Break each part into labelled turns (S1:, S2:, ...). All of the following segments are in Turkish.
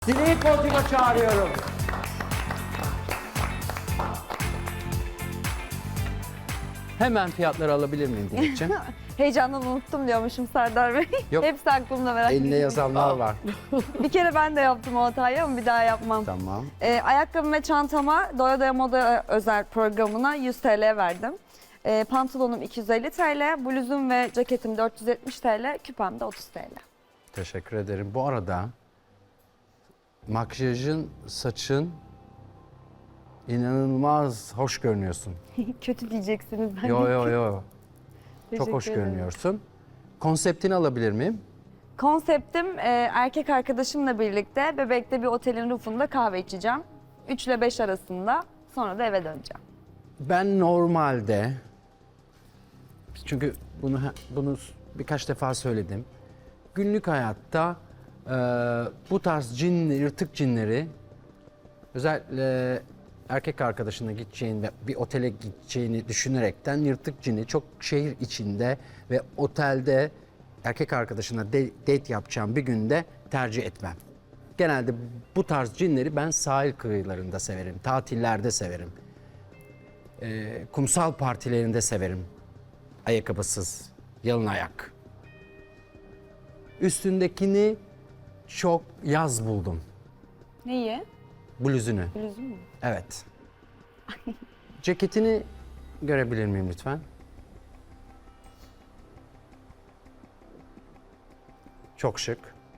S1: Dileği podyuma çağırıyorum. Hemen fiyatları alabilir miyim Dilekçim?
S2: Heyecandan unuttum diyormuşum Serdar Bey.
S1: Yok.
S2: Hepsi aklımda, merak
S1: Eline
S2: etmeyin.
S1: yazanlar var.
S2: Bir kere ben de yaptım o hatayı ama bir daha yapmam.
S1: Tamam.
S2: Ayakkabım ve çantama Doya Doya Moda özel programına 100 TL verdim. Pantolonum 250 TL, bluzum ve ceketim 470 TL, küpem de 30 TL.
S1: Teşekkür ederim. Bu arada makyajın, saçın inanılmaz hoş görünüyorsun.
S2: Kötü diyeceksiniz. Ben
S1: Yo
S2: de.
S1: yo yo. Çok
S2: Teşekkür
S1: hoş
S2: ederim.
S1: görünüyorsun. Konseptini alabilir miyim?
S2: Konseptim erkek arkadaşımla birlikte Bebek'te bir otelin rufunda kahve içeceğim. 3 ile 5 arasında, sonra da eve döneceğim.
S1: Ben normalde, çünkü bunu birkaç defa söyledim. Günlük hayatta bu tarz yırtık cinleri, özellikle erkek arkadaşına gideceğin ve bir otele gideceğini düşünerekten yırtık cini çok şehir içinde ve otelde erkek arkadaşına date yapacağım bir günde tercih etmem. Genelde bu tarz cinleri ben sahil kıyılarında severim, tatillerde severim. Kumsal partilerinde severim. Ayakkabısız, yalın ayak. Üstündekini çok yaz buldum.
S2: Neyi?
S1: Bluzunu.
S2: Bluzum mu?
S1: Evet. Ceketini görebilir miyim lütfen? Çok şık.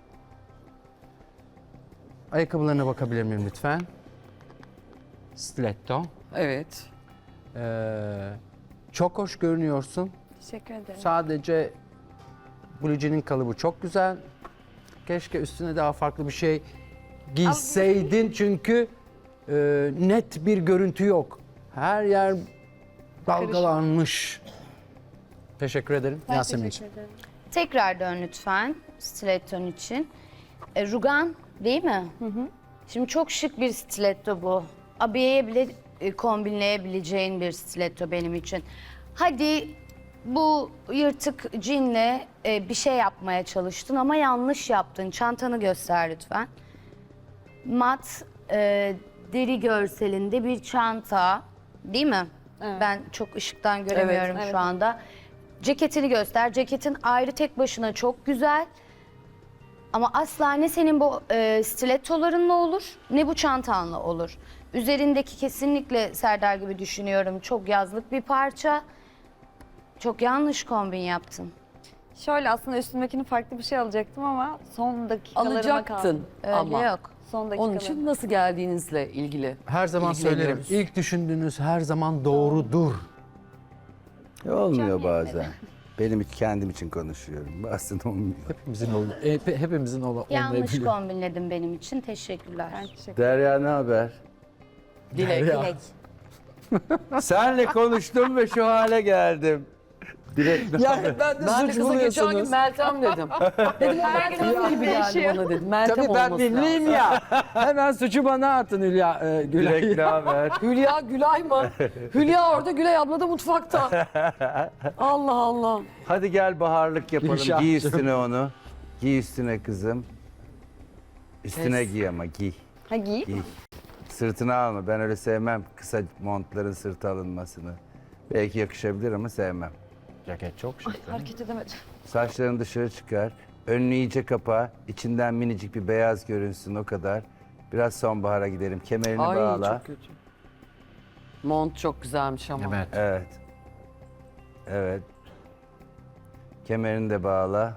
S1: Ayakkabılarına bakabilir miyim lütfen? Stiletto.
S3: Evet.
S1: Çok hoş görünüyorsun.
S2: Teşekkür ederim.
S1: Sadece blue'cinin kalıbı çok güzel. Keşke üstüne daha farklı bir şey giyseydin çünkü net bir görüntü yok. Her yer dalgalanmış. Teşekkür ederim Yasemin'ciğim.
S4: Tekrar dön lütfen stiletton için. Rugan değil mi? Şimdi çok şık bir stiletto bu. Abiyeye bile kombinleyebileceğin bir stiletto benim için. Hadi bu yırtık cinle bir şey yapmaya çalıştın ama yanlış yaptın. Çantanı göster lütfen. Mat deri görselinde bir çanta değil mi? Ben çok ışıktan göremiyorum
S2: evet.
S4: şu anda. Ceketini göster. Ceketin ayrı tek başına çok güzel. Ama asla ne senin bu stilettolarınla olur ne bu çantanla olur. Üzerindeki kesinlikle Serdar gibi düşünüyorum. Çok yazlık bir parça. Çok yanlış kombin yaptın.
S2: Şöyle aslında üstümdekini farklı bir şey alacaktım ama son dakikalarıma kaldım.
S3: Alacaktın
S4: Öyle
S3: ama.
S4: yok.
S2: Son
S3: Onun
S2: dakikalarıma.
S3: için nasıl geldiğinizle ilgili.
S1: Her zaman söylerim.
S3: İlgileniyoruz.
S1: İlk düşündüğünüz her zaman doğrudur.
S5: Olmuyor bazen. Benim kendim için konuşuyorum. Bazen olmuyor.
S1: Hepimizin
S4: Yanlış
S1: olmayabilir.
S4: kombinledin benim için. Teşekkürler.
S2: Ben teşekkür
S5: Derya ne haber?
S3: Dilek.
S5: Senle konuştum ve şu hale geldim. Direkt ne haber?
S3: Ben de kıza geçen gün Meltem dedim. Dedim o Meltem gibi geldi bana dedim. Meltem
S1: Tabii ben
S3: olması
S1: dinleyeyim
S3: lazım.
S1: ya. Hemen suçu bana atın Hülya. Gülay.
S5: Direkt ne haber?
S3: Hülya Gülay mı? Hülya orada, Gülay abla da mutfakta. Allah Allah.
S5: Hadi gel baharlık yapalım.
S1: Gülşah'cığım.
S5: Giy üstüne onu. Giy üstüne kızım. Üstüne giy ama giy.
S2: Ha giy.
S5: Giy. Sırtına alma. Ben öyle sevmem kısa montların sırtı alınmasını. Belki yakışabilir ama sevmem.
S1: Ceket çok şık.
S2: Hareket edemedim.
S5: Saçlarını dışarı çıkar. Önünü iyice kapa. İçinden minicik bir beyaz görünsün o kadar. Biraz sonbahara gidelim. Kemerini
S3: Ay
S5: bağla.
S3: çok kötü. Mont çok güzelmiş ama.
S1: Evet.
S5: Evet. Evet. Kemerini de bağla.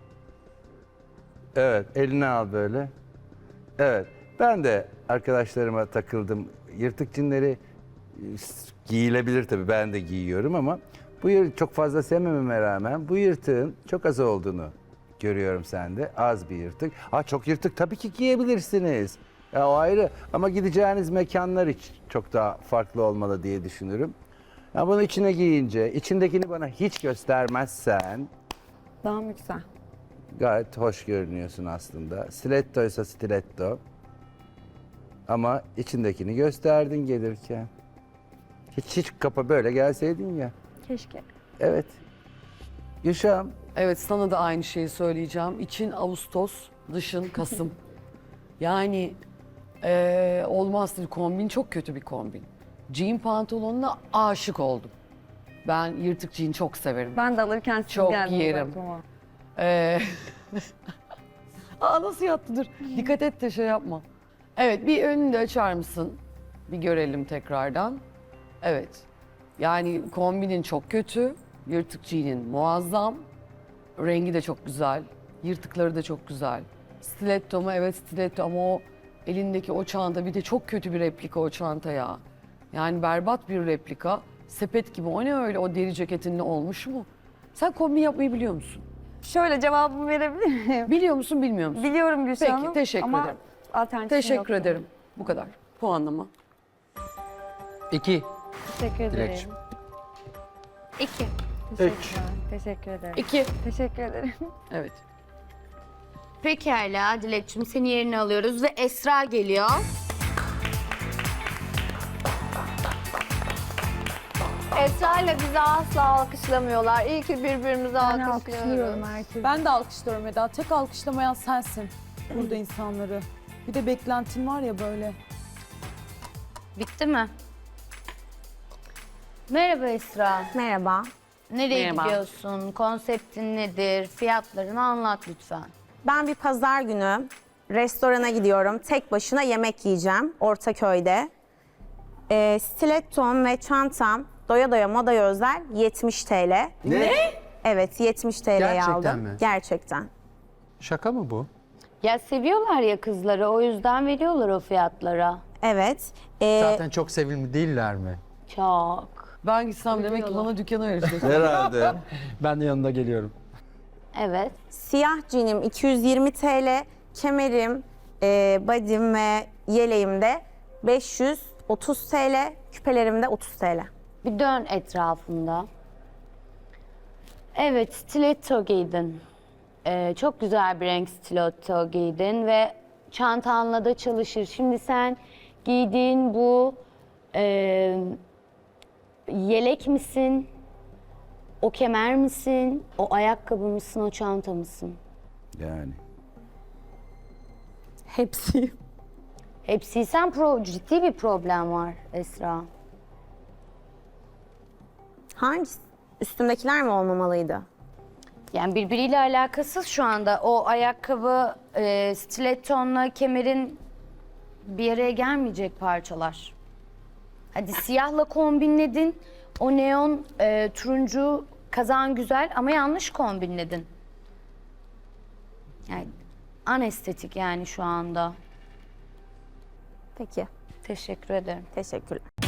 S5: Evet, elini al böyle. Evet. Ben de arkadaşlarıma takıldım. Yırtık cinleri giyilebilir tabii. Ben de giyiyorum ama bu çok fazla sevmememe rağmen bu yırtığın çok az olduğunu görüyorum sende. Az bir yırtık. Çok yırtık tabii ki giyebilirsiniz. Ya o ayrı ama gideceğiniz mekanlar hiç çok daha farklı olmalı diye düşünürüm. Ya bunu içine giyince, içindekini bana hiç göstermezsen
S2: Daha mı güzel?
S5: gayet hoş görünüyorsun aslında. Stilettoysa stiletto. Ama içindekini gösterdin gelirken. Hiç kapa böyle gelseydin ya.
S2: Keşke.
S5: Evet. Gülşah'ım.
S3: Evet, sana da aynı şeyi söyleyeceğim. İçin Ağustos, dışın Kasım. Yani olmazdı, kombin çok kötü bir kombin. Jean pantolonuna aşık oldum. Ben yırtık jean çok severim.
S2: Ben de alırken siz
S3: Çok
S2: geldiniz
S3: giyerim.
S2: aklıma.
S3: Ee, Aa nasıl yattı dur. Dikkat et de şey yapma. Evet bir önünü de açar mısın? Bir görelim tekrardan. Evet. Yani kombinin çok kötü. Yırtık jean'in muazzam. Rengi de çok güzel. Yırtıkları da çok güzel. Stiletto mu? Evet stiletto ama o elindeki o çanta bir de çok kötü bir replika o çanta ya. Yani berbat bir replika. Sepet gibi o ne öyle o deri ceketinle olmuş mu? Sen kombin yapmayı biliyor musun?
S2: Şöyle cevabımı verebilir miyim?
S3: Biliyor musun bilmiyor musun?
S2: Biliyorum Gülşah
S3: Peki,
S2: Hanım
S3: teşekkür
S2: ama
S3: ederim.
S2: alternatifim
S3: Teşekkür
S2: yoktu.
S3: ederim. Bu kadar. Puanlama.
S1: 2.
S2: Teşekkür ederim.
S1: Dilekçim.
S4: 2.
S2: Teşekkürler. Teşekkür ederim.
S3: 2.
S2: Teşekkür ederim.
S3: Evet.
S4: Pekala Dilekçim seni yerine alıyoruz ve Esra geliyor.
S6: Esra ile bizi asla alkışlamıyorlar. İyi ki birbirimizi alkışlıyoruz.
S7: Ben de alkışlıyorum Eda. Tek alkışlamayan sensin burada insanları. Bir de beklentin var ya böyle.
S4: Bitti mi? Merhaba Esra.
S8: Merhaba.
S4: Nereye
S3: Merhaba.
S4: gidiyorsun? Konseptin nedir? Fiyatlarını anlat lütfen.
S8: Ben bir pazar günü restorana gidiyorum. Tek başına yemek yiyeceğim Ortaköy'de. Stilettom ve çantam doya doya modaya özel 70 TL.
S5: Ne?
S8: Evet 70 TL'ye
S1: Gerçekten
S8: aldım.
S1: mi?
S8: Gerçekten.
S1: Şaka mı bu?
S4: Ya seviyorlar ya kızları o yüzden veriyorlar o fiyatlara.
S8: Evet.
S1: Zaten çok sevimli değiller mi?
S4: Çok.
S3: Ben gitsem demek ki bana dükkanı verecek.
S5: Herhalde.
S1: Ben de yanında geliyorum.
S4: Evet.
S8: Siyah cinim 220 TL. Kemerim, body'm ve yeleğim de 530 TL. Küpelerim de 30 TL.
S4: Bir dön etrafında. Evet, stiletto giydin. Çok güzel bir renk stiletto giydin ve çantanla da çalışır. Şimdi sen giydiğin bu yelek misin? O kemer misin? O ayakkabı mısın? O çanta mısın?
S5: Yani.
S8: Hepsi.
S4: Hepsiysen ciddi bir problem var Esra.
S8: Hangisi? Üstümdekiler mi olmamalıydı?
S4: Yani birbiriyle alakasız şu anda. O ayakkabı, stilettonla kemerin bir araya gelmeyecek parçalar. Hadi siyahla kombinledin. O neon turuncu kazan güzel ama yanlış kombinledin. Yani anestetik yani şu anda.
S8: Peki.
S4: Teşekkür ederim.
S8: Teşekkürler.